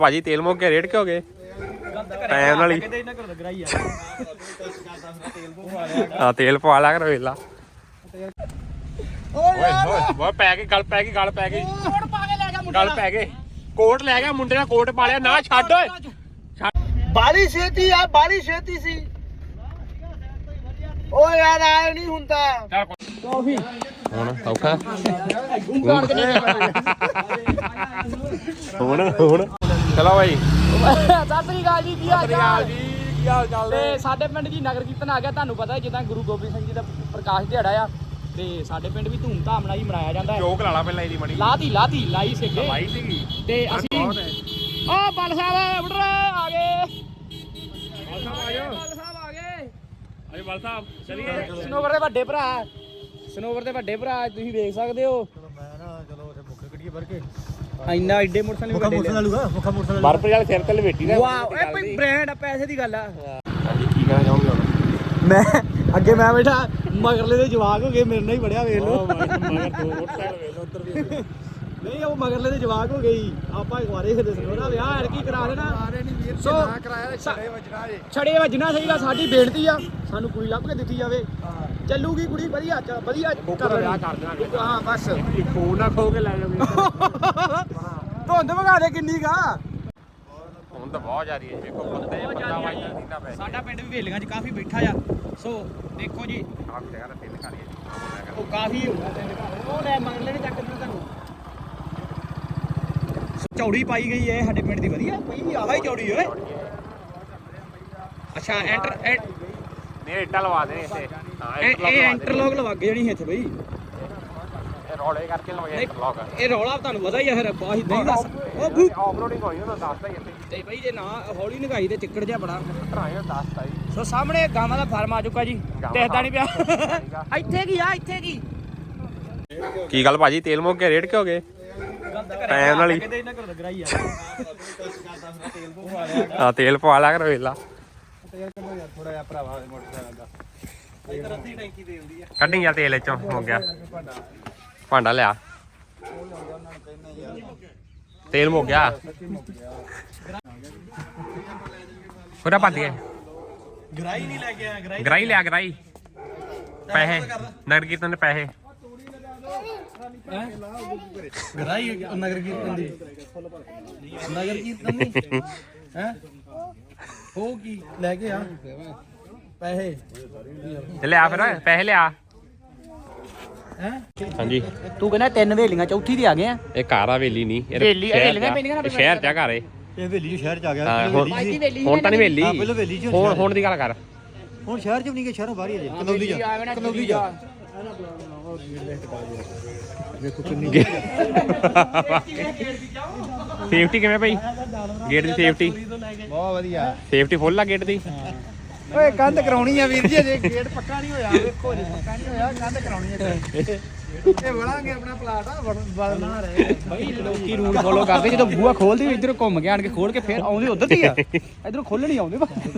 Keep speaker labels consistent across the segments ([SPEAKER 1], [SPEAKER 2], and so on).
[SPEAKER 1] ਭਾਜੀ ਤੇਲ ਮੁੱਕ ਗਿਆ, ਰੇਟ ਕਿਉਂ ਗਏ ਟਾਈਮ ਨਾਲ ਹੀ। ਹਾਂ ਤੇਲ ਪਵਾ ਲਿਆ ਕਰ ਵੇਲਾ। ਓਏ ਓਏ ਪੈ ਗਈ ਗੱਲ, ਪੈ ਗਈ ਗੱਲ, ਪੈ ਗਈ ਗੱਲ, ਪੈ ਗਏ ਕੋਟ ਲੈ ਗਿਆ ਮੁੰਡੇ ਦਾ, ਕੋਟ ਪਾ ਲਿਆ ਨਾ। ਛੱਡ ਓਏ
[SPEAKER 2] ਬਾਲੀ ਛੇਤੀ ਆ, ਬਾਲੀ ਛੇਤੀ ਸੀ। ਓ ਯਾਰ ਆਏ ਨਹੀਂ ਹੁੰਦਾ ਕਾਫੀ
[SPEAKER 1] ਹੁਣ ਔਖਾ ਹੁਣ ਚਲੋ ਭਾਈ।
[SPEAKER 2] ਸਤਿ ਸ੍ਰੀ ਅਕਾਲ ਜੀ, ਕੀ ਹਾਲ ਚਾਲ
[SPEAKER 1] ਜੀ? ਕੀ ਹਾਲ ਚਾਲ
[SPEAKER 2] ਤੇ ਸਾਡੇ ਪਿੰਡ ਜੀ ਨਗਰ ਕੀਰਤਨ ਆ ਗਿਆ। ਤੁਹਾਨੂੰ ਪਤਾ ਜਿੱਦਾਂ ਗੁਰੂ ਗੋਬਿੰਦ ਸਿੰਘ ਜੀ ਦਾ ਪ੍ਰਕਾਸ਼ ਦਿਹਾੜਾ ਆ, ਤੇ ਸਾਡੇ ਪਿੰਡ ਵੀ ਧੂਮ-ਧਾਮ ਨਾਲ ਹੀ ਮਨਾਇਆ ਜਾਂਦਾ ਹੈ।
[SPEAKER 1] ਚੋਕ ਲਾ ਲਾ ਪਹਿਲਾਂ ਇਹਦੀ ਮੜੀ
[SPEAKER 2] ਲਾਈ ਸੀਗੇ
[SPEAKER 1] ਲਾਈ ਸੀਗੀ
[SPEAKER 2] ਤੇ ਅਸੀਂ ਓ ਬਲ ਸਾਹਿਬ ਬੁੱਢਰੇ ਆ ਗਏ।
[SPEAKER 1] ਬਲ ਸਾਹਿਬ ਆ ਜਾਓ,
[SPEAKER 2] ਬਲ ਸਾਹਿਬ ਆ ਗਏ।
[SPEAKER 1] ਅਰੇ ਬਲ ਸਾਹਿਬ ਚਲੀਏ।
[SPEAKER 2] ਸਨੋਵਰ ਦੇ ਵੱਡੇ ਭਰਾ, ਸਨੋਵਰ ਦੇ ਵੱਡੇ ਭਰਾ ਤੁਸੀਂ ਵੇਖ ਸਕਦੇ ਹੋ।
[SPEAKER 3] ਮੈਂ ਨਾ ਚਲੋ ਉੱਥੇ ਮੁੱਖ ਗੱਡੀਏ ਭਰ ਕੇ
[SPEAKER 2] ਇੰਨਾ ਐਡੇ ਮੋਟਰਸਾਈਕਲ
[SPEAKER 3] ਮੁੱਖਾ ਮੋਟਰਸਾਈਕਲ
[SPEAKER 1] ਬਰਫ ਵਾਲੇ ਸਿਰ ਤੇ ਲਵੇਟੀ ਦਾ।
[SPEAKER 2] ਵਾਓ ਇਹ ਕੋਈ ਬ੍ਰਾਂਡ ਆ, ਪੈਸੇ ਦੀ ਗੱਲ ਆ।
[SPEAKER 1] ਹਾਂਜੀ ਕੀ ਕਹਿਣਾ ਚਾਹੋਗੇ ਹੁਣ?
[SPEAKER 2] ਮੈਂ ਅੱਗੇ ਮੈਂ ਬੈਠਾ, ਮਗਰਲੇ ਦੇ ਜਵਾਕ ਹੋ ਗਏ, ਮੇਰੇ ਨਾਲ ਹੀ ਵੜਿਆ ਵੇਖ ਲਓ।
[SPEAKER 1] ਮਗਰ ਦੋ ਮੋਟਰਸਾਈਕਲ ਵੇਖ ਲਓ ਉੱਧਰ ਵੀ।
[SPEAKER 2] ਨਹੀਂ ਉਹ ਮਗਰਲੇ ਦੇ ਜਵਾਕ ਹੋ ਗਈ। ਆਪਾਂ ਇਕਵਾਰੇ ਦੇ ਸਨੋਰਾ ਵਿਆਹ ਐਡ ਕੀ ਕਰਾ ਦੇਣਾ। ਸੋ
[SPEAKER 3] ਕਰਾਇਆ ਛੜੇ ਵੱਜਣਾ ਜੇ।
[SPEAKER 2] ਛੜੇ ਵੱਜਣਾ ਸਹੀ ਗੱਲ। ਸਾਡੀ ਬੇਨਤੀ ਆ, ਸਾਨੂੰ ਕੁੜੀ ਲੱਭ ਕੇ ਦਿੱਤੀ ਜਾਵੇ। ਚੱਲੂਗੀ ਕੁੜੀ ਵਧੀਆ, ਵਧੀਆ
[SPEAKER 1] ਕਰ ਵਿਆਹ ਕਰ ਦੇਣਾ।
[SPEAKER 2] ਹਾਂ ਬਸ
[SPEAKER 1] ਫੋਨ ਨਾ ਖੋ ਕੇ ਲੈ ਜਾਵੇ।
[SPEAKER 2] ਧੁੰਦ ਵਗਾ ਦੇ ਕਿੰਨੀ ਕਾ।
[SPEAKER 1] ਹੁਣ ਤਾਂ ਬਹੁਤ ਜਾ ਰਹੀ ਹੈ, ਵੇਖੋ ਬੰਦੇ ਬੰਦਾ ਵਾਜਦਾ ਦਿੰਦਾ ਪੈ।
[SPEAKER 2] ਸਾਡਾ ਪਿੰਡ ਵੀ ਵੇਲੀਆਂ 'ਚ ਕਾਫੀ ਬੈਠਾ ਆ। ਸੋ ਦੇਖੋ ਜੀ
[SPEAKER 1] ਆਪ ਜਗ੍ਹਾ ਤੇ ਤਿੰਨ ਕਰੀਏ।
[SPEAKER 2] ਉਹ ਕਾਫੀ ਉਹ ਲੈ ਮਗਰਲੇ ਨੇ ਚੱਕ ਦਿੱਤਾ ਤੁਹਾਨੂੰ। ਚੌੜੀ ਪਾਈ ਗਈ ਹੈ ਸਾਡੇ ਪਿੰਡ ਦੀ, ਵਧੀਆ ਪਈ ਵੀ ਆਹ ਹੀ ਚੌੜੀ ਓਏ। ਅੱਛਾ ਐਂਟਰ
[SPEAKER 1] ਨਹੀਂ ਇੱਟਾਂ ਲਵਾ ਦੇ ਇੱਥੇ। ਹਾਂ
[SPEAKER 2] ਇਹ ਇੰਟਰਲੌਕ ਲਵਾ ਕੇ ਜਾਣੀ ਇੱਥੇ ਬਈ।
[SPEAKER 1] ਇਹ ਰੋਲੇ ਕਰਕੇ ਲਵਾਇਆ ਇੰਟਰਲੌਕ।
[SPEAKER 2] ਇਹ ਰੌਲਾ ਤੁਹਾਨੂੰ ਪਤਾ ਹੀ ਆ ਫਿਰ ਬਾਹੀ ਨਹੀਂ ਦੱਸ। ਉਹ ਭੂ
[SPEAKER 1] ਆਫਰੋਡਿੰਗ ਹੋਈ ਉਹਨਾਂ ਦੱਸਦਾ ਹੀ ਇੱਥੇ।
[SPEAKER 2] ਤੇ ਬਈ ਜੇ ਨਾ ਹੌਲੀ ਨਗਾਈ ਤੇ ਚਿੱਕੜ ਜਿਹਾ ਬੜਾ।
[SPEAKER 1] ਭਰਾਇਆ ਦੱਸਦਾ ਹੀ।
[SPEAKER 2] ਸੋ ਸਾਹਮਣੇ ਗਾਵਾਂ ਦਾ ਫਾਰਮ ਆ ਚੁੱਕਾ ਜੀ, ਦਿਖਦਾ ਨਹੀਂ ਪਿਆ। ਇੱਥੇ ਕੀ ਆ, ਇੱਥੇ
[SPEAKER 1] ਕੀ ਗੱਲ ਭਾਜੀ ਤੇਲ ਮੁੱਕ ਗਿਆ, ਰੇਟ ਕਿਉਂ ਗਏ ਟਾਈਮ ਨਾਲ ਹੀ। ਹਾਂ ਤੇਲ ਪਵਾ ਲਿਆ ਕਰ ਵੇਲਾ।
[SPEAKER 3] ਥੋੜਾ ਜਿਹਾ ਭਰਾਵਾ ਮੋਟਰਸਾਈਕਲ ਦਾ
[SPEAKER 1] ਕੱਢੀ ਯਾਰ ਤੇਲ ਚੋਂ ਹੋ ਗਿਆ। ਭਾਂਡਾ ਲਿਆ, ਤੇਲ ਮੁੱਕ ਗਿਆ। ਉਹਦਾ ਭੱਜ ਗਿਆ।
[SPEAKER 2] ਗਰਾਈ ਨਹੀਂ ਲੈ ਕੇ ਆਇਆ।
[SPEAKER 1] ਗਰਾਈ ਲਿਆ, ਗਰਾਈ ਪੈਸੇ ਨਗਰ ਕੀਰਤਨ ਦੇ ਪੈਸੇ।
[SPEAKER 2] ਗਰਾਈ ਨਗਰ ਕੀਰਤਨ ਦੀ, ਨਗਰ ਕੀਰਤਨ ਦੀ ਹੈ ਹੋ ਕੀ ਲੈ ਕੇ ਆ ਪੈਸੇ
[SPEAKER 1] ਤੇ ਲਿਆ ਫਿਰ ਪੈਸੇ ਲਿਆ।
[SPEAKER 2] ਹੈ
[SPEAKER 1] ਹਾਂਜੀ
[SPEAKER 2] ਤੂੰ ਕਹਿੰਦਾ ਤਿੰਨ ਵੇਲੀਆਂ, ਚੌਥੀ ਤੇ ਆ ਗਏ ਆ।
[SPEAKER 1] ਇਹ ਘਰ ਆ ਵੇਲੀ ਨਹੀਂ,
[SPEAKER 2] ਵੇਲੀਆਂ ਪੈਂਦੀਆਂ ਨਾ
[SPEAKER 1] ਸ਼ਹਿਰ ਚ ਆ ਘਰ ਇਹ।
[SPEAKER 3] ਇਹ ਹਵੇਲੀ ਸ਼ਹਿਰ ਚ ਆ ਗਿਆ।
[SPEAKER 1] ਹਾਂ, ਹੁਣ ਤਾਂ ਨਹੀਂ ਵੇਲੀ।
[SPEAKER 3] ਹਾਂ ਪਹਿਲਾਂ ਹਵੇਲੀ ਚ
[SPEAKER 1] ਹੁਣ ਦੀ ਗੱਲ ਕਰ।
[SPEAKER 3] ਹੁਣ ਸ਼ਹਿਰ ਚ ਵੀ ਨਹੀਂ ਗਏ, ਸ਼ਹਿਰੋਂ ਬਾਹਰ ਹੀ ਆ ਜੇ। ਕਨੌਲੀ ਜਾ ਵੇਖੋ ਕਿੰਨੀ
[SPEAKER 1] ਸੇਫਟੀ ਕਿਵੇਂ ਭਾਈ? ਗੇਟ ਦੀ ਸੇਫਟੀ
[SPEAKER 3] ਬਹੁਤ ਵਧੀਆ।
[SPEAKER 1] ਸੇਫਟੀ ਫੁੱਲ ਆ ਗੇਟ ਦੀ।
[SPEAKER 3] ਓਏ ਕੰਧ ਕਰਾਉਣੀ ਆ ਵੀਰ ਜੀ, ਅਜੇ ਗੇਟ ਪੱਕਾ ਨਹੀਂ ਹੋਇਆ। ਵੇਖੋ ਜੀ ਪੱਕਾ ਨਹੀਂ ਹੋਇਆ, ਕੰਧ ਕਰਾਉਣੀ ਹੈ। ਇਹ ਵੜਾਂਗੇ ਆਪਣਾ ਪਲਾਟ ਆ, ਵੜਨਾ ਰਹੇ
[SPEAKER 2] ਬਈ ਲੋਕੀ ਰੂਲ ਫੋਲੋ ਕਰਦੇ। ਜਦੋਂ ਬੂਹਾ ਖੋਲਦੇ ਇਧਰੋਂ ਘੁੰਮ ਕੇ ਆਣ ਕੇ ਖੋਲ ਕੇ ਫੇਰ ਆਉਂਦੇ ਉਧਰ ਦੀ ਆ, ਇਧਰੋਂ ਖੋਲਣੀ ਆਉਂਦੇ।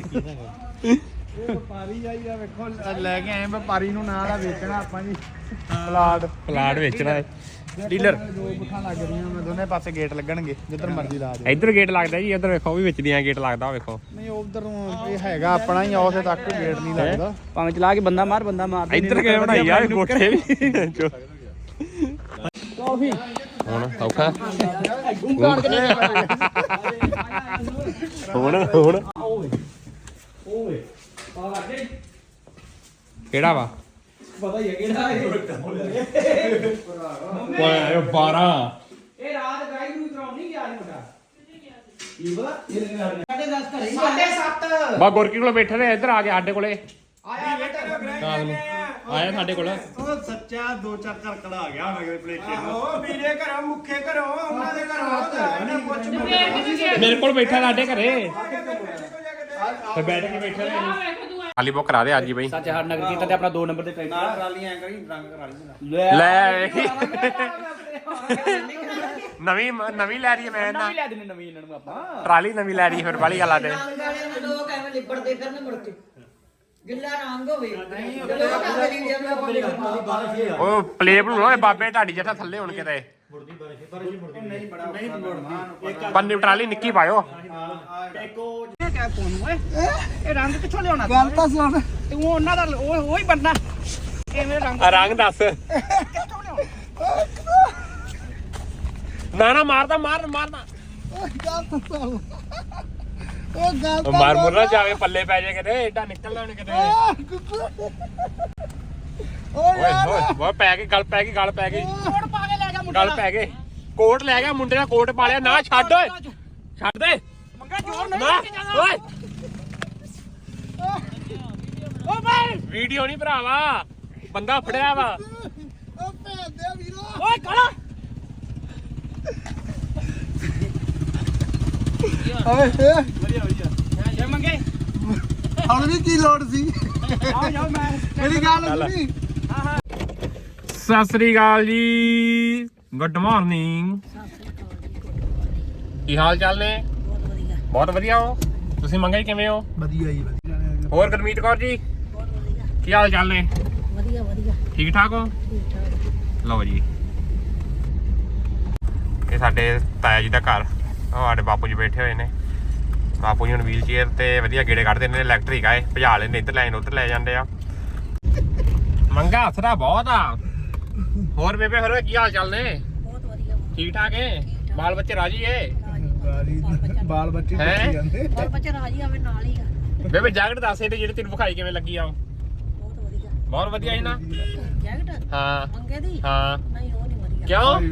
[SPEAKER 3] ਵਪਾਰੀ ਆਈ ਆ, ਵੇਖੋ ਲੈ ਕੇ ਆਏ ਵਪਾਰੀ ਨੂੰ ਨਾਲ ਆ ਵੇਚਣਾ ਆਪਾਂ ਜੀ।
[SPEAKER 1] ਪਲਾਟ ਵੇਚਣਾ ਹੈ।
[SPEAKER 3] ਡੀਲਰ ਦੋ ਬੁੱਖਾਂ ਲੱਗ ਰਹੀਆਂ, ਮੈਂ ਦੋਨੇ ਪਾਸੇ ਗੇਟ ਲੱਗਣਗੇ, ਜਿੱਧਰ ਮਰਜ਼ੀ ਲਾ ਦੇ।
[SPEAKER 1] ਇੱਧਰ ਗੇਟ ਲੱਗਦਾ ਜੀ, ਇੱਧਰ ਵੇਖੋ ਉਹ ਵੀ ਵੇਚਦੀਆਂ ਗੇਟ ਲੱਗਦਾ ਵੇਖੋ।
[SPEAKER 3] ਨਹੀਂ ਉਧਰ ਨੂੰ ਇਹ ਹੈਗਾ ਆਪਣਾ ਹੀ, ਉਸੇ ਤੱਕ ਗੇਟ ਨਹੀਂ ਲੱਗਦਾ।
[SPEAKER 2] ਭਾਵੇਂ ਚਲਾ ਕੇ ਬੰਦਾ ਮਾਰ
[SPEAKER 1] ਇੱਧਰ ਕਿਵੇਂ ਬਣਾਈ ਆ ਕੋਠੇ ਵੀ।
[SPEAKER 2] ਕਾਫੀ
[SPEAKER 1] ਹੁਣ ਔਖਾ ਹੁਣ ਕਿਹੜਾ ਵਾ
[SPEAKER 2] ਪਤਾ ਹੀ ਹੈ ਕਿਹੜਾ ਇਹ।
[SPEAKER 1] ਓਏ 12
[SPEAKER 2] ਇਹ ਰਾਤ ਗਾਈ ਨੂੰ ਉਤਰਾਉਣ ਨਹੀਂ ਗਿਆ ਮੁੰਡਾ। ਕੀ ਪਤਾ 10:30 ਘਰੇ 7:30
[SPEAKER 1] ਬਾ ਗੁਰਕੀ ਕੋਲ ਬੈਠੇ ਨੇ, ਇੱਧਰ ਆ ਕੇ ਸਾਡੇ ਕੋਲੇ
[SPEAKER 2] ਆਇਆ ਬੇਟਾ
[SPEAKER 1] ਆਇਆ ਸਾਡੇ ਕੋਲ।
[SPEAKER 3] ਉਹ ਸੱਚਾ ਦੋ ਚਾਰ ਕਰਕੜਾ ਆ ਗਿਆ ਨਗਰ ਪਲੇਟੇ ਨੂੰ।
[SPEAKER 2] ਉਹ ਵੀਰੇ ਘਰੋਂ ਮੁੱਖੇ ਘਰੋਂ ਉਹਨਾਂ ਦੇ ਘਰੋਂ ਪੁੱਛ
[SPEAKER 1] ਮੇਰੇ ਕੋਲ ਬੈਠਾ ਸਾਡੇ ਘਰੇ ਤੇ ਬੈਠ ਕੇ ਬੈਠੇ ਨੇ। ਖਾਲੀ ਬੁੱਕ ਕਰਾ ਦੇ ਅੱਜ ਹੀ ਬਈ।
[SPEAKER 2] ਸੱਚ ਹਰ ਨਗਰ ਕੀਰਤਨ ਤੇ ਆਪਣਾ 2 ਨੰਬਰ ਦੇ ਟਰੈਕਟਰ
[SPEAKER 3] ਟਰਾਲੀ ਐਂ ਕਰੀ ਰੰਗ ਕਰਾ ਲਈ।
[SPEAKER 1] ਲੈ ਨਵੀਂ ਲੈ ਰਹੀ ਹੈ ਮੈਂ ਨਾ।
[SPEAKER 2] ਨਵੀਂ ਲੈ ਦੇਣੀ ਨਵੀਂ ਇਹਨਾਂ ਨੂੰ ਆਪਾਂ।
[SPEAKER 1] ਟਰਾਲੀ ਨਵੀਂ ਲੈ ਰਹੀ ਹੈ ਫਿਰ ਬਾਲੀ ਗੱਲਾਂ ਤੇ।
[SPEAKER 4] ਲੋਕ ਐਵੇਂ ਲਿਬੜਦੇ ਫਿਰਨ ਮੁੜ ਕੇ ਗਿੱਲਾ ਰੰਗ ਹੋਵੇ ਨਹੀਂ
[SPEAKER 1] ਉਹ ਪਲੇਟ ਨੂੰ ਬਾਬੇ ਢਾਡੀ ਜੱਟਾ ਥੱਲੇ ਹੁਣ ਕਿਤੇ।
[SPEAKER 3] ਨਹੀਂ ਬੜਾ ਨਹੀਂ ਮੁੜਦੀ
[SPEAKER 1] ਪੰਨੀ ਟਰਾਲੀ ਨਿੱਕੀ ਪਾਇਓ
[SPEAKER 2] ਕਿਆ ਕੋਨ ਓਏ ਇਹ ਰੰਗ ਕਿੱਥੋਂ ਲਿਆਉਣਾ
[SPEAKER 3] ਗੱਲ ਤਾਂ ਸੁਣ
[SPEAKER 2] ਤੂੰ ਉਹਨਾਂ ਦਾ ਉਹ ਹੀ ਬਣਨਾ ਐਵੇਂ ਰੰਗ
[SPEAKER 1] ਰੰਗ ਦੱਸ
[SPEAKER 2] ਕਿੱਥੋਂ ਲਿਆਉਣਾ
[SPEAKER 1] ਨਾ ਮਾਰਦਾ ਮਾਰਨਾ
[SPEAKER 3] ਗੱਲ ਤਾਂ ਸੁਣ ਉਹ ਗੱਲ
[SPEAKER 1] ਮਾਰ ਮੁਰਨਾ ਜਾਵੇ ਪੱਲੇ ਪੈ ਜਾਏ ਕਿਤੇ ਏਡਾ ਨਿਕਲ ਲੈਣ ਕਿਤੇ ਓਏ ਹੋਏ ਓਏ ਪੈ ਗਈ ਗੱਲ ਪੈ ਗਈ
[SPEAKER 2] ਕੋਟ ਪਾ ਕੇ ਲੈ ਗਿਆ ਮੁੰਡਾ
[SPEAKER 1] ਗੱਲ ਪੈ ਗਏ ਕੋਟ ਲੈ ਗਿਆ ਮੁੰਡੇ ਦਾ ਕੋਟ ਪਾ ਲਿਆ ਨਾ ਛੱਡ ਓਏ ਛੱਡ ਦੇ
[SPEAKER 2] ਮੰਗਾ ਜੋਰ ਨਹੀਂ
[SPEAKER 1] ਨਾ
[SPEAKER 2] ਲੈ ਕੇ ਜਾਣਾ
[SPEAKER 1] ਓਏ
[SPEAKER 2] ਓ ਭਾਈ
[SPEAKER 1] ਵੀਡੀਓ ਨਹੀਂ ਭਰਾਵਾ ਬੰਦਾ ਫੜਿਆ ਵਾ
[SPEAKER 3] ਉਹ ਭੈਣ ਦੇ ਵੀਰੋ
[SPEAKER 2] ਓਏ ਕਾਲਾ
[SPEAKER 3] ਓਏ
[SPEAKER 2] ਜੇ ਮੰਗੇ
[SPEAKER 3] ਹੁਣ ਵੀ ਕੀ ਲੋੜ ਸੀ
[SPEAKER 2] ਆਓ ਜਾਓ ਮੈਂ
[SPEAKER 3] ਮੇਰੀ ਗੱਲ ਸੁਣੀ
[SPEAKER 1] ਸਤਿ ਸ੍ਰੀ ਅਕਾਲ ਜੀ ਗੁੱਡ ਮਾਰਨਿੰਗ ਕੀ ਹਾਲ ਚਾਲ ਨੇ ਬਹੁਤ ਵਧੀਆ ਹੋ ਤੁਸੀਂ ਮੰਗੇ ਕਿਵੇਂ ਹੋ
[SPEAKER 3] ਵਧੀਆ ਜੀ ਵਧੀਆ
[SPEAKER 1] ਹੋਰ ਗੁਰਮੀਤ ਕੌਰ ਜੀ ਕੀ ਹਾਲ ਚਾਲ ਨੇ
[SPEAKER 4] ਵਧੀਆ
[SPEAKER 1] ਠੀਕ ਠਾਕ ਹੋ ਲਓ ਜੀ ਇਹ ਸਾਡੇ ਤਾਇਆ ਜੀ ਦਾ ਘਰ ਉਹ ਸਾਡੇ ਬਾਪੂ ਜੀ ਬੈਠੇ ਹੋਏ ਨੇ ਬਾਪੂ ਜੀ ਹੁਣ ਵੀਲ ਚੇਅਰ ਤੇ ਵਧੀਆ ਗੇੜੇ ਕੱਢਦੇ ਨੇ ਇਲੈਕਟ੍ਰਿਕ ਆਏ ਭਜਾ ਲੈਂਦੇ ਇੱਧਰ ਲੈਣ ਉੱਧਰ ਲੈ ਜਾਂਦੇ ਆ ਮੰਗਾ ਹਸਰਾ ਬਹੁਤ ਆ ਹੋਰ ਬੇਬੇ ਫਿਰ ਕੀ ਹਾਲ ਚਾਲ ਨੇ
[SPEAKER 4] ਬਹੁਤ ਵਧੀਆ
[SPEAKER 1] ਠੀਕ ਠਾਕ ਏ ਬਾਲ ਬੱਚੇ ਰਾਜੀ ਏ
[SPEAKER 3] ਬਾਲ ਬੱਚੇ
[SPEAKER 1] ਹੈਂ?
[SPEAKER 3] ਦੇਖੀ ਜਾਂਦੇ
[SPEAKER 4] ਬਾਲ ਬੱਚਾ ਰਾਜੀ ਆਵੇ ਨਾਲ ਹੀ ਆ
[SPEAKER 1] ਬੇਬੇ ਜੈਕਟ ਦੱਸ ਇਹਦੇ ਜਿਹੜੇ ਤੈਨੂੰ ਵਿਖਾਈ ਕਿਵੇਂ ਲੱਗੀ ਆ
[SPEAKER 4] ਬਹੁਤ ਵਧੀਆ
[SPEAKER 1] ਬਹੁਤ ਵਧੀਆ ਸੀ ਨਾ
[SPEAKER 4] ਜੈਕਟ
[SPEAKER 1] ਹਾਂ
[SPEAKER 4] ਮੰਗੇ ਦੀ
[SPEAKER 1] ਹਾਂ
[SPEAKER 4] ਨਹੀਂ ਉਹ ਨਹੀਂ ਵਧੀਆ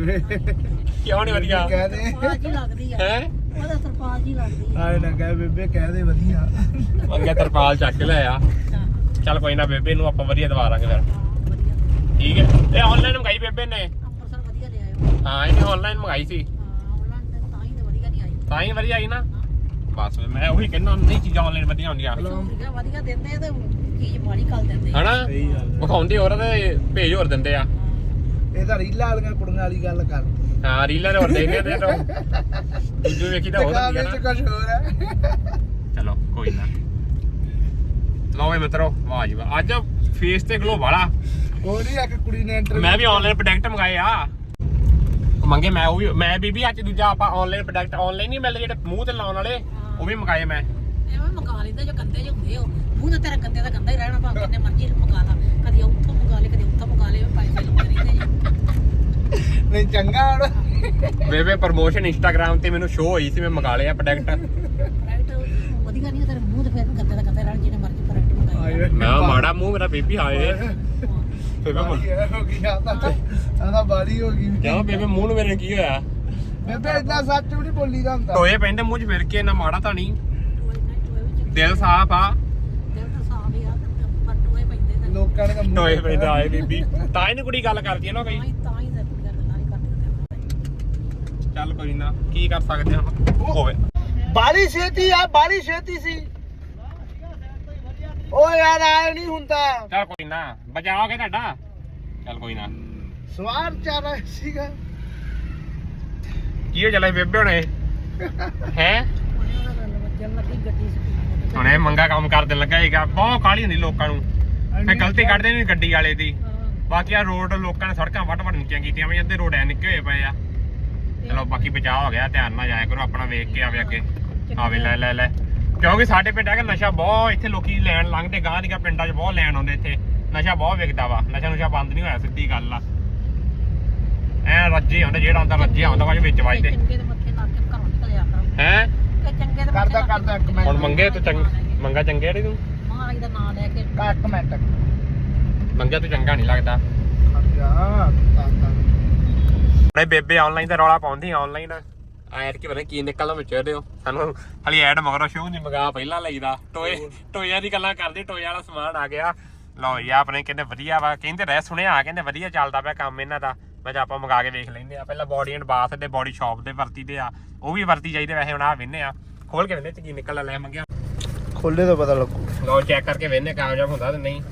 [SPEAKER 1] ਕਿਉਂ ਨਹੀਂ ਵਧੀਆ
[SPEAKER 3] ਕਹਦੇ
[SPEAKER 4] ਸਰਪਾਲ ਜੀ ਲੱਗਦੀ ਆ
[SPEAKER 1] ਹੈ
[SPEAKER 4] ਉਹਦਾ ਸਰਪਾਲ ਜੀ ਲੱਗਦੀ ਆ
[SPEAKER 3] ਆਏ ਨਾ ਕਹੇ ਬੇਬੇ ਕਹਦੇ ਵਧੀਆ
[SPEAKER 1] ਮੰਗੇ ਤਰਪਾਲ ਚੱਕ ਕੇ ਲੈ ਆ
[SPEAKER 4] ਹਾਂ
[SPEAKER 1] ਚੱਲ ਕੋਈ ਨਾ ਬੇਬੇ ਨੂੰ ਆਪਾਂ ਵਧੀਆ ਦਵਾ ਲਾਂਗੇ ਫਿਰ
[SPEAKER 4] ਵਧੀਆ
[SPEAKER 1] ਠੀਕ ਹੈ ਇਹ ਆਨਲਾਈਨ ਮੰਗਾਈ ਬੇਬੇ ਨੇ
[SPEAKER 4] ਅੰਮ੍ਰਿਤਸਰ ਵਧੀਆ ਲੈ ਆਇਓ
[SPEAKER 1] ਹਾਂ ਇਹਨੇ ਆਨਲਾਈਨ ਮੰਗਾਈ ਸੀ
[SPEAKER 4] ਹਾਂ ਆਨਲਾਈਨ ਤਾਂ ਹੀ ਤਾਂ ਵਧੀਆ ਨਹੀਂ ਆਈ
[SPEAKER 1] ਤਾਂ ਹੀ ਵਧੀਆ ਆਈ ਨਾ ਬਸ ਮੈਂ ਉਹੀ ਕਹਿੰਦਾ ਨਹੀਂ ਚੀਜ਼ਾਂ ਆਨਲਾਈਨ ਵਧੀਆ ਹੁੰਦੀਆਂ
[SPEAKER 4] ਠੀਕ ਆ ਵਧੀਆ ਦਿੰਦੇ ਆ ਤੇ ਚੀਜ਼ ਮਾੜੀ ਕਰ ਦਿੰਦੇ ਆ
[SPEAKER 1] ਹਨਾ
[SPEAKER 3] ਸਹੀ ਗੱਲ
[SPEAKER 1] ਵਿਖਾਉਂਦੇ ਹੋਰ ਤੇ ਭੇਜ ਹੋਰ ਦਿੰਦੇ ਆ
[SPEAKER 3] ਇਹ ਤਾਂ ਰੀਲਾਂ ਵਾਲੀਆਂ ਕੁੜੀਆਂ ਵਾਲੀ ਗੱਲ ਕਰ
[SPEAKER 1] ਹਾਂ ਰੀਲਰ ਹੋਰ ਦੇਖਦੇ ਤੇ ਤੋਂ ਦੂਜੇ ਵੇਖੀ ਤਾਂ ਹੋਰ ਹੁੰਦੀ ਆ
[SPEAKER 3] ਵਿੱਚ
[SPEAKER 1] ਨਾ
[SPEAKER 3] ਕੁਝ ਹੋਰ ਹੈ
[SPEAKER 1] ਚਲੋ ਕੋਈ ਨਾ ਲਓ ਵੇ ਮਿੱਤਰੋ ਵਾਹ ਜੀ ਵਾਹ ਅੱਜ ਫੇਸ ਤੇ ਗਲੋ ਵਾਲਾ
[SPEAKER 3] ਉਹ ਨਹੀਂ ਇੱਕ ਕੁੜੀ ਨੇ ਇੰਟਰਵਿਊ
[SPEAKER 1] ਮੈਂ ਵੀ ਆਨਲਾਈਨ ਪ੍ਰੋਡਕਟ ਮੰਗਾਏ ਆ ਮੰਗੇ ਮੈਂ ਬੀਬੀ ਅੱਜ ਦੂਜਾ ਆਪਾਂ ਆਨਲਾਈਨ ਪ੍ਰੋਡਕਟ ਆਨਲਾਈਨ ਨਹੀਂ ਮਿਲਦੇ ਜਿਹੜੇ ਮੂੰਹ ਤੇ ਲਾਉਣ ਵਾਲੇ ਉਹ ਵੀ ਮੰਗਾਏ ਮੈਂ
[SPEAKER 4] ਐਵੇਂ ਮੰਗਾ ਲੈਂਦੇ ਜੋ ਗੰਦੇ ਜਿਹੇ ਹੁੰਦੇ ਹੋ ਮੂੰਹ ਤੇ ਤੇਰਾ ਗੰਦੇ ਦਾ ਗੰਦਾ ਹੀ ਰਹਿਣਾ ਭਾਵੇਂ ਕਿੰਨੇ ਮਰਜ਼ੀ ਮੰਗਾ ਲਾ ਕਦੀ ਉੱਥੋਂ ਮੰਗਾ ਲੈ ਕਦੀ ਉੱਥੋਂ ਮੰਗਾ ਲੈ ਪੈਸੇ ਲਾਉਂਦੇ ਰਹਿੰਦੇ ਜੀ
[SPEAKER 3] ਨਹੀਂ ਚੰਗਾ ਹੁਣ
[SPEAKER 1] ਬੇਬੇ ਪ੍ਰਮੋਸ਼ਨ ਇੰਸਟਾਗ੍ਰam ਤੇ ਮੈਨੂੰ ਸ਼ੋ ਹੋਈ ਸੀ ਮੈਂ ਮੰਗਾ ਲਿਆ ਪ੍ਰੋਡਕਟ
[SPEAKER 4] ਪ੍ਰੋਡਕਟ ਵਧੀਆ ਨਹੀਂ ਤੇਰੇ ਮੂੰਹ ਤੇ ਫਿਰ ਗੰਦੇ ਦਾ ਗੰਦਾ ਰਹਿਣਾ ਜਿਹਨੇ ਮਰਜ਼ੀ ਪ੍ਰੋਡਕਟ ਮੰਗਾਈ
[SPEAKER 1] ਮੈਂ ਮਾੜਾ ਮੂੰਹ ਮੇਰਾ ਬੇਬੀ ਹਾਏ ਬੇਬੇ
[SPEAKER 3] ਹੋ ਗਈ ਆਦਾ ਬਾਲੀ ਹੋ ਗਈ
[SPEAKER 1] ਕਿਉਂ ਬੇਬੇ ਮੂੰਹ ਨੂੰ ਮੇਰੇ ਕੀ ਹੋਇਆ
[SPEAKER 3] ਬੇਬੇ ਇਦਾਂ ਸੱਚ ਵੀ ਨਹੀਂ ਬੋਲੀ ਦਾ ਹੁੰਦਾ
[SPEAKER 1] ਟੋਏ ਪੈਂਦੇ ਮੂੰਹ 'ਚ ਫਿਰ ਕੇ ਨਾ ਮਾੜਾ ਤਾਂ ਨਹੀਂ
[SPEAKER 4] ਟੋਏ ਵਿੱਚ
[SPEAKER 1] ਦਿਲ ਸਾਫ ਆ
[SPEAKER 4] ਦਿਲ ਤਾਂ ਸਾਫ ਹੀ ਆ ਪਰ ਟੋਏ ਪੈਂਦੇ ਨੇ
[SPEAKER 3] ਲੋਕਾਂ ਨੇ ਕੰਮ
[SPEAKER 1] ਟੋਏ ਪੈਂਦੇ ਆਏ ਬੀਬੀ ਤਾਂ ਹੀ ਨੀ ਕੁੜੀ ਗੱਲ ਕਰਦੀ ਹੈ ਨਾ ਕਈ
[SPEAKER 4] ਤਾਂ ਹੀ ਤਾਂ ਕੁੜੀਆਂ ਗੱਲਾਂ ਨਹੀਂ ਕਰਦੀਆਂ
[SPEAKER 1] ਚੱਲ ਕੋਈ ਨਾ ਕੀ ਕਰ ਸਕਦੇ ਹਾਂ ਹੋਵੇ
[SPEAKER 3] ਬਾਲੀ ਛੇਤੀ ਸੀ ਓ ਯਾਰ ਆਏ ਨਹੀਂ ਹੁੰਦਾ
[SPEAKER 1] ਚੱਲ ਕੋਈ ਨਾ ਬਚਾਓਗੇ ਤੁਹਾਡਾ ਚੱਲ ਕੋਈ ਨਾ
[SPEAKER 3] ਸਵਾਰ ਚੱਲ ਰਿਹਾ ਸੀਗਾ
[SPEAKER 1] ਕੀ ਹੋ ਚੱਲਿਆ ਬੇਬੇ ਹੁਣੇ ਹੈ
[SPEAKER 4] ਉਹਨਾਂ ਦਾ ਵੱਜਣ ਲੱਗੀ ਗੱਡੀ ਸਪੀਡ
[SPEAKER 1] ਹੁਣੇ ਮੰਗਾ ਕੰਮ ਕਰਨ ਲੱਗਾ ਹੈਗਾ ਬਹੁਤ ਕਾਹਲੀ ਹੁੰਦੀ ਲੋਕਾਂ ਨੂੰ ਫੇ ਗਲਤੀ ਕੱਢਦੇ ਨੇ ਗੱਡੀ ਵਾਲੇ ਦੀ ਬਾਕੀ ਆ ਰੋਡ ਲੋਕਾਂ ਨੇ ਸੜਕਾਂ ਵੱਟ ਨੀਚੀਆਂ ਕੀਤੀਆਂ ਵੀ ਅੱਧੇ ਰੋਡ ਐ ਨਿੱਕੇ ਹੋਏ ਪਏ ਆ ਚਲੋ ਬਾਕੀ ਬਚਾਅ ਹੋ ਗਿਆ ਧਿਆਨ ਨਾਲ ਜਾਇਆ ਕਰੋ ਆਪਣਾ ਵੇਖ ਕੇ ਆਵੇ ਅੱਗੇ ਆਵੇ ਲੈ ਕਿਉਂਕਿ ਸਾਡੇ ਪਿੰਡ ਹੈਗਾ ਨਸ਼ਾ ਬਹੁਤ ਇੱਥੇ ਲੋਕੀ ਲੈਣ ਲੰਘਦੇ ਗਾਂ ਦੀਆਂ ਪਿੰਡਾਂ 'ਚ ਬਹੁਤ ਲੈਣ ਆਉਂਦੇ ਇੱਥੇ ਨਸ਼ਾ ਬਹੁਤ ਵਿਕਦਾ ਵਾ ਨਸ਼ਾ ਬੰਦ ਨਹੀਂ ਹੋਇਆ ਸਿੱਧੀ ਗੱਲ ਆ ਐ ਰੱਜੇ ਹੁੰਦੇ ਜਿਹੜਾ ਹੁੰਦਾ ਰੱਜਿਆ ਹੁੰਦਾ ਵਾ ਵਿੱਚ ਵੱਜਦੇ
[SPEAKER 4] ਚੰਗੇ ਦੇ ਮੱਥੇ ਲਾ ਕੇ ਘਰੋਂ ਨਿਕਲਿਆ ਕਰੋ
[SPEAKER 1] ਹੈ
[SPEAKER 4] ਕਿ ਚੰਗੇ ਦੇ
[SPEAKER 3] ਕਰਦਾ ਇੱਕ ਮਿੰਟ
[SPEAKER 1] ਹੁਣ ਮੰਗੇ ਤੂੰ ਮੰਗਾ ਚੰਗੇ ਜਿਹੜੀ ਤੂੰ
[SPEAKER 4] ਮਹਾਰਾਜ ਦਾ ਨਾਮ ਲੈ ਕੇ
[SPEAKER 3] ਇੱਕ ਮਿੰਟ
[SPEAKER 1] ਮੰਗਿਆ ਤੂੰ ਚੰਗਾ ਨਹੀਂ ਲੱਗਦਾ
[SPEAKER 3] ਜਾ
[SPEAKER 1] ਨਹੀਂ ਬੇਬੇ ਆਨਲਾਈਨ ਦਾ ਰੌਲਾ ਪਾਉਂਦੀ ਆਨਲਾਈਨ ਆਇਰ ਕੀ ਪਤਾ ਕੀ ਨਿਕਲਦਾ ਵਿੱਚ ਇਹਦੇ ਸਾਨੂੰ ਹਲੀ ਐਡ ਮਗਰੋਂ ਸ਼ੋਅ ਨਹੀਂ ਮੰਗਾ ਪਹਿਲਾਂ ਲਈਦਾ ਟੋਇਆਂ ਦੀ ਗੱਲਾਂ ਕਰਦੇ ਟੋਏ ਵਾਲਾ ਸਮਾਨ ਆ ਗਿਆ ਲਓ ਜੀ ਆਪਣੇ ਕਹਿੰਦੇ ਵਧੀਆ ਵਾ ਕਹਿੰਦੇ ਰਹਿ ਸੁਣਿਆ ਕਹਿੰਦੇ ਵਧੀਆ ਚੱਲਦਾ ਪਿਆ ਕੰਮ ਇਹਨਾਂ ਦਾ ਮੈਂ ਆਪਾਂ ਮੰਗਾ ਕੇ ਵੇਖ ਲੈਂਦੇ ਆ ਪਹਿਲਾਂ ਬੋਡੀ ਐਂਡ ਬਾਥ ਦੇ ਬੋਡੀ ਸ਼ਾਪ ਦੇ ਵਰਤੀ ਦੇ ਆ ਉਹ ਵੀ ਵਰਤੀ ਚਾਹੀਦੇ ਵੈਸੇ ਹੁਣ ਆ ਵੇਨੇ ਆ ਖੋਲ ਕੇ ਵੇਨੇ ਚ ਕੀ ਨਿਕਲਦਾ ਲੈ ਮੰਗਿਆ
[SPEAKER 3] ਖੋਲੇ ਤਾਂ ਪਤਾ ਲੱਗੂ
[SPEAKER 1] ਲਓ ਚੈੱਕ ਕਰਕੇ ਵੇਨੇ ਕਾਮਯਾਬ ਹੁੰਦਾ ਤੇ ਨਹੀਂ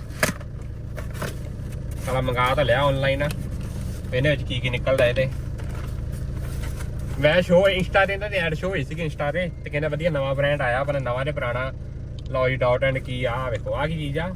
[SPEAKER 1] ਸਾਲਾ ਮੰਗਾ ਤਾਂ ਲਿਆ ਆਨਲਾਈਨ ਵੇਨੇ ਵਿੱਚ ਕੀ ਨਿਕਲਦਾ ਇਹਦੇ ਮੈਂ ਸ਼ੋ ਇੰਸਟਾ ਤੇ ਇਹਨਾਂ ਦੀ ਐਡ ਸ਼ੋ ਹੋਈ ਸੀ ਇੰਸਟਾ ਤੇ ਕਹਿੰਦੇ ਵਧੀਆ ਨਵਾਂ ਬ੍ਰਾਂਡ ਆਇਆ ਪਰ ਨਵਾਂ ਤੇ ਪੁਰਾਣਾ ਲਓ ਜੀ ਡਾਟ ਐਂਡ ਕੀ ਆ ਵੇਖੋ ਆ ਕੀ ਚੀਜ਼ ਆ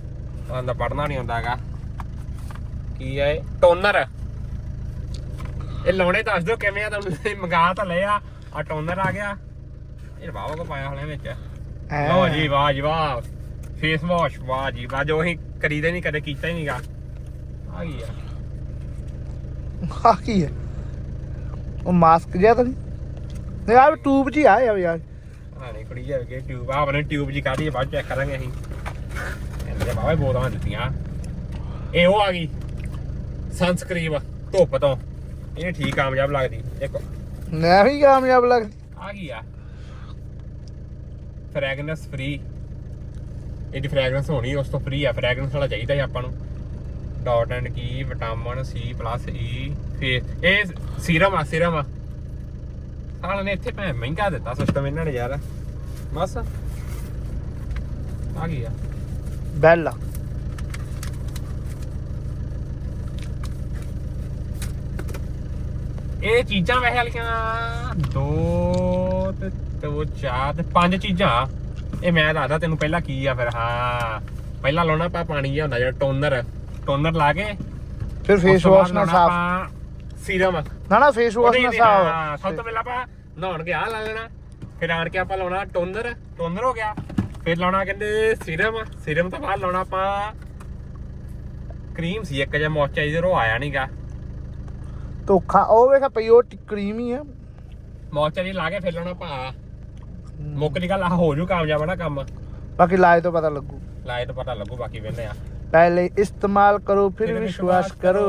[SPEAKER 1] ਆਂਦਾ ਪੜਨਾ ਨਹੀਂ ਹੁੰਦਾ ਹੈਗਾ ਕੀ ਹੈ ਟੋਨਰ ਇਹ ਲਾਉਣੇ ਦੱਸ ਦਿਓ ਕਿਵੇਂ ਆ ਤੁਹਾਨੂੰ ਮੰਗਾ ਤਾਂ ਲਿਆ ਆ ਟੋਨਰ ਆ ਗਿਆ ਇਹ ਵਾਵਾ ਕੋ ਪਾਇਆ ਹਲੇ ਵਿੱਚ ਲਓ ਜੀ ਵਾਹ ਜੀ ਵਾਹ ਫੇਸ ਵਾਸ਼ ਵਾਹ ਜੀ ਵਾਹ ਜੋ ਅਸੀਂ ਕਰੀਦੇ ਨਹੀਂ ਕਦੇ ਕੀਤਾ ਹੀ ਨਹੀਂਗਾ ਆ ਗਈ ਆ
[SPEAKER 3] ਆ ਕੀ ਹੈ ਉਹ ਮਾਸਕ ਜਿਹਾ ਤਾਂ ਨਹੀਂ ਯਾਰ ਟੂਬ 'ਚ ਹੀ ਆ ਯਾਰ
[SPEAKER 1] ਹਾਂ ਨਹੀਂ ਕੁੜੀ ਜਾ ਕੇ ਟਿਊਬ ਆ ਬਣੇ ਟਿਊਬ ਜੀ ਕਾਢੀ ਬਾਅਦ ਚੈੱਕ ਕਰਾਂਗੇ ਅਸੀਂ ਇਹਦੇ ਬਾਬਾ ਬੋਲਾਂ ਦਿੱਤੀਆਂ ਇਹ ਉਹ ਆ ਗਈ ਸਨਸਕ੍ਰੀਨ ਧੁੱਪ ਤੋਂ ਇਹ ਠੀਕ ਕਾਮਯਾਬ ਲੱਗਦੀ ਦੇਖੋ
[SPEAKER 3] ਮੈਂ ਵੀ ਕਾਮਯਾਬ ਲੱਗਦੀ
[SPEAKER 1] ਆ ਗਈ ਆ ਫ੍ਰੈਗਰੈਂਸ ਫ੍ਰੀ ਇਹਦੀ ਫ੍ਰੈਗਰੈਂਸ ਹੋਣੀ ਉਸ ਤੋਂ ਫ੍ਰੀ ਆ ਫ੍ਰੈਗਰੈਂਸ ਵਾਲਾ ਚਾਹੀਦਾ ਹੈ ਆਪਾਂ ਨੂੰ Dot and Key vitamin C plus E face ਇਹ ਸੀਰਮ ਆ ਸਾਲ ਨੇ ਇੱਥੇ ਭੈਣ ਮਹਿੰਗਾ ਦਿੱਤਾ ਸਿਸਟਮ ਇਹਨਾਂ ਨੇ ਯਾਰ ਬਸ ਆ ਗਈ ਆ
[SPEAKER 3] ਬੈਲਾ
[SPEAKER 1] ਇਹ ਚੀਜ਼ਾਂ ਵੈਸੇ ਵਾਲੀਆਂ 2 ਤੇ 2 4 ਤੇ 5 ਚੀਜ਼ਾਂ ਇਹ ਮੈਂ ਦੱਸਦਾ ਤੈਨੂੰ ਪਹਿਲਾਂ ਕੀ ਆ ਫਿਰ ਹਾਂ ਪਹਿਲਾਂ ਲਾਉਣਾ ਆਪਾਂ ਪਾਣੀ ਜਿਹਾ ਹੁੰਦਾ ਜਿਹੜਾ ਟੋਨਰ ਲਾ ਕੇ
[SPEAKER 3] ਫਿਰ ਫੇਸ ਵਾਸ਼ ਨਾਲ ਸਾਫ
[SPEAKER 1] ਸੀਰਮ
[SPEAKER 3] ਨਾ ਫੇਸ ਵਾਸ਼ ਨਾਲ ਸਾਫ
[SPEAKER 1] ਸਭ ਤੋਂ ਪਹਿਲਾਂ ਆਪਾਂ ਨਹਾਉਣ ਕੇ ਆ ਲਾ ਲੈਣਾ ਫਿਰ ਆਣ ਕੇ ਆਪਾਂ ਲਾਉਣਾ ਟੋਨਰ ਹੋ ਗਿਆ ਫਿਰ ਲਾਉਣਾ ਕਹਿੰਦੇ ਸੀਰਮ ਤੋਂ ਬਾਅਦ ਲਾਉਣਾ ਆਪਾਂ ਕਰੀਮ ਸੀ ਇੱਕ ਜਿਹਾ ਮੋਇਸਚਰਾਈਜ਼ਰ ਉਹ ਆਇਆ ਨਹੀਂਗਾ
[SPEAKER 3] ਧੋਖਾ ਉਹ ਵੇਖਾ ਪਈ ਉਹ ਕਰੀਮ ਹੀ ਆ
[SPEAKER 1] ਮੋਇਸਚਰਾਈਜ਼ਰ ਲਾ ਕੇ ਫਿਰ ਲਾਉਣਾ ਭਾ ਮੁੱਕ ਦੀ ਗੱਲ ਆ ਹੋ ਜੂ ਕਾਮਯਾਬ ਨਾ ਕੰਮ
[SPEAKER 3] ਬਾਕੀ ਲਾਏ ਤੋਂ ਪਤਾ ਲੱਗੂ
[SPEAKER 1] ਲਾਏ ਤਾਂ ਪਤਾ ਲੱਗੂ ਬਾਕੀ ਵੇਲੇ ਆ
[SPEAKER 3] ਪਹਿਲੇ ਇਸਤੇਮਾਲ ਕਰੋ ਫਿਰ ਵਿਸ਼ਵਾਸ ਕਰੋ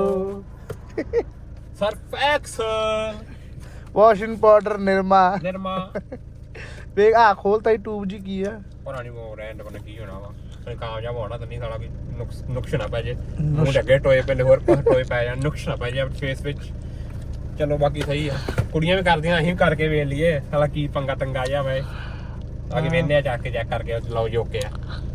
[SPEAKER 1] Surf Excel
[SPEAKER 3] washing powder Nirma ਵੇਖ ਆ ਖੋਲਤਾ ਹੀ ਟੂਬ ਜੀ ਕੀ ਆ
[SPEAKER 1] ਪੁਰਾਣੀ ਉਹ ਰੈਂਡ ਬਣ ਕੀ ਹੋਣਾ ਵਾ ਕਾਮਯਾਬ ਹੋਣਾ ਤਾਂ ਨਹੀਂ ਸਾਲਾ ਕੋਈ ਨੁਕਸ ਨਾ ਪੈ ਜੇ ਮੂੰਹ ਲੱਗੇ ਟੋਏ ਪੈਂਦੇ ਹੋਰ ਪਾਸੇ ਟੋਏ ਪੈ ਜਾਣ ਨੁਕਸ ਨਾ ਪੈ ਜੇ ਫੇਸ ਵਿੱਚ ਚਲੋ ਬਾਕੀ ਸਹੀ ਆ ਕੁੜੀਆਂ ਵੀ ਕਰਦੀਆਂ ਅਸੀਂ ਵੀ ਕਰਕੇ ਵੇਖ ਲਈਏ ਸਾਲਾ ਕੀ ਪੰਗਾ ਤੰਗਾ ਜਾ ਵੇ ਬਾਕੀ ਵੇਖਦੇ ਆ ਚੱਕ ਕੇ ਚੈੱਕ ਕਰਕੇ ਲਾਓ ਜੋਕੇ ਆ